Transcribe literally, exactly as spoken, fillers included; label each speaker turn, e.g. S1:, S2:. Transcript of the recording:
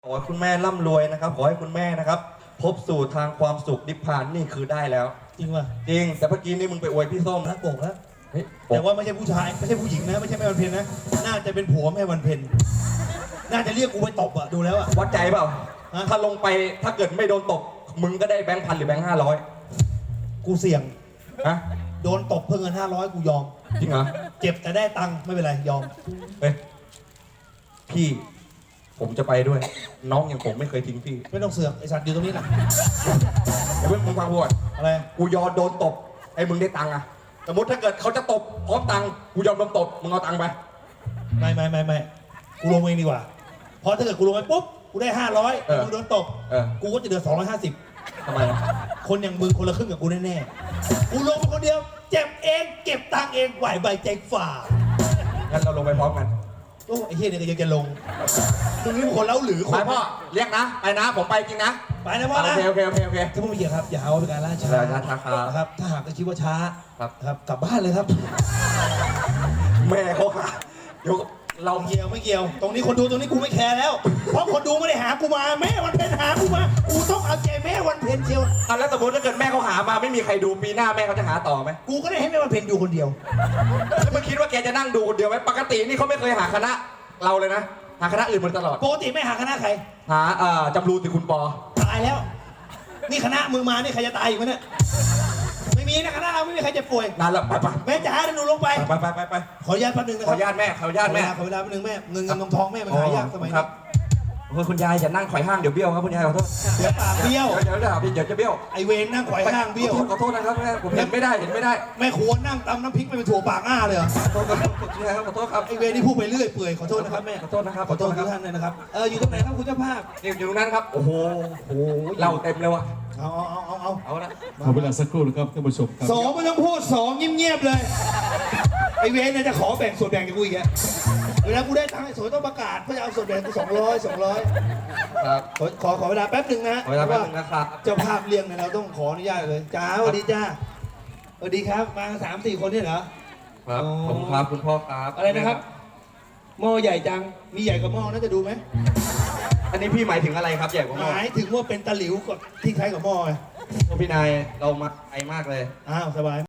S1: ขอให้คุณแม่ร่ำรวยนะครับขอให้คุณแม่นะครับพบสู่ทางความสุขนิพพานนี่คือได้แล้ว
S2: จริงป่ะ
S1: จริงแต่เมื่อกี้นี่มึงไปอวยพี่ส้ม
S2: นะโกกแล้ว
S1: เฮ้ย
S2: แต่ว่าไม่ใช่ผู้ชายไม่ใช่ผู้หญิงนะไม่ใช่แม่วันเพ็ญนะน่าจะเป็นผัวแม่วันเพ็ญน่าจะเรียกกูไปตบอะดูแล้วอะ
S1: วัดใจเปล่าถ้าลงไปถ้าเกิดไม่โดนตบมึงก็ได้แบงค์พันหรือแบงค์ห้าร้อย
S2: กูเสี่ยง
S1: ฮะ
S2: โดนตบเพิ่งเงินห้าร้อยกูยอม
S1: จริงเหรอ
S2: เจ็บแต่ได้ตังค์ไม่เป็นไรยอม
S1: เฮ้ยพี่ผมจะไปด้วยน้องอย่างผมไม่เคยทิ้งพี่
S2: ไม่ต้องเสือกไอสัตว์อยู่ตรงนี้นะ
S1: เพื่อนมึงฟังพูด
S2: อะไร
S1: กูยอมโดนตบไอ้มึงได้ตังค์อะสมมติถ้าเกิดเขาจะตบพร้อมตังค์กูยอมโดนตบมึงเอาตังค์ไป
S2: ไม่ไม่ไม่ไม่กูลงเองดีกว่าเพราะถ้าเกิดกูลงไปปุ๊บกูได้ห้าร้อยกูโดนตบกูก็จะเดือดสองร้อยห้าสิบ
S1: ทำไม
S2: คนอย่างมึงคนละครึ่งกับกูแน่ๆกูลงมาคนเดียวเจ็บเองเก็บตังค์เองไหวใบใจฝ่า
S1: งั้นเราลงไปพร้อมกัน
S2: โอ้ไอ้เฮียเนี่ยก็ยังจะลงตรงนี้เป็นคนเล่าหรือคน
S1: ไปพ่อเรียกนะไปนะผมไปจริงนะ
S2: ไปนะพ่อนะ
S1: โอเคโอเคโอเคโอเค
S2: ถ้าไม่เกี่ยวครับอย่าเอาเป็นการล่าช้าครับถ้าหากคิดว่าช้า
S1: ครับ
S2: ครับกลับบ้านเลยครับ
S1: แม่เขาค่ะเดี๋ยว
S2: เราเกี่ยวไม่เกี่ยวตรงนี้คนดูตรงนี้กูไม่แคร์แล้วเพราะคนดูไม่ได้หากูมาแม่วันเพ็ญหากูมากูต้องเอาใจแม่วันเพ็ญเชียว
S1: เอาแล้วสมมติถ้าเกิดแม่เขาหามาไม่มีใครดูปีหน้าแม่เขาจะหาต่อไหม
S2: กูก็ได้ให้แม่วันเพ็ญดูคนเดียว
S1: แล้วมึงคิดว่าแกจะนั่งดูคนเดียวไหมปกตินี่เขาไม่เคยหาคณะเราเลยนะหาคณะอื่นมาตลอด
S2: ปกติไม่หาคณะใคร
S1: หาเอ่อจำรูนติคุณปอ
S2: ตายแล้วนี่คณะมึงมานี่ใครจะตายอยู่มั้ยเนี่ยไม่มีนะคณะเราไม่มีใครจะป่วย
S1: นานแล้วไปไป
S2: แม่จ๋าเดี๋ยวหนูลงไป
S1: ไปไปไปไป
S2: ขออนุญาตแป๊บนึงนะค
S1: รั
S2: บ
S1: ขออนุญาตแม่ขออนุญาตแม่
S2: ขอเวลาแป๊บนึงแม่เงินเงินทองทองแม่มันหายากสมัยนี้
S1: ครับคุณยายอย่านั่งไขว่ห้างเดี๋ยวเบี้ยวครับคุณยายขอโทษ
S2: เดี๋ยวปากเบี้ยว
S1: เดี๋ยวเดี๋ยวเดี๋ยวจะเบี้ยว
S2: ไอเวนนั่งไขว่ห้างเบี้ยว
S1: ขอโทษนะครับแม่ผมเห็นไม่ได้เห็นไม่ได้
S2: แม่ควรนั่งตำน้ำพริกไปเป็นถั่วปากอ้าเลยเหรอ
S1: ขอโทษครับคุณยายครับขอโทษครับ
S2: ไอเวนนี่พูดไปเรื่อยเปื่อยขอโทษนะครับแม่
S1: ขอโทษนะครับ
S2: ขอโทษทุกท่านเลยนะครับเอออยู่ตรงไหนครับคุณเจ้าภาพ
S1: นี่อยู่ตรงนั้นครับโอ้โหโอ้โหเล่าเต็มเลยวะ
S2: เอาเอาเอาเอา
S1: เอาละ
S3: ขอเวลาสักครู่นะครับท่านผู้ชมครับ
S2: สองไม่ต้องพูดสองเงียบๆเลยไอเวนเนี่ยจะขอแบ่งส่วนแบ่งกับกูอีกแกเวลากูได้ตังค์ไอ้สวยต้องประกาศเพื่อจะเอาส่วนแบ่งกูสองร้อยสองร้อย
S1: ครับ
S2: ขอขอขอเวลาแป๊บหนึ่งนะ
S1: ขอเวลาแป๊บนึงนะครับ
S2: เจ้าภาพเลี้ยงเนี่ยเราต้องขออนุญาตเลยจ้าสวัสดีจ้าสวัสดีครับมาสามสี่คนเนี่ยเหรอ
S1: ครับผมครับคุณพ่อครับ
S2: อะไรนะครับหม้อใหญ่จังมีใหญ่กว่าหม้อน่าจะดูไหม
S1: อันนี้พี่หมายถึงอะไรครับใหญ่กว่าหม้อ
S2: หมายถึงว่าเป็นตะหลิวกับที่คล้ายกับหม้อไง
S1: พี่นายเรามาไกลมากเลย
S2: อ้าวสบาย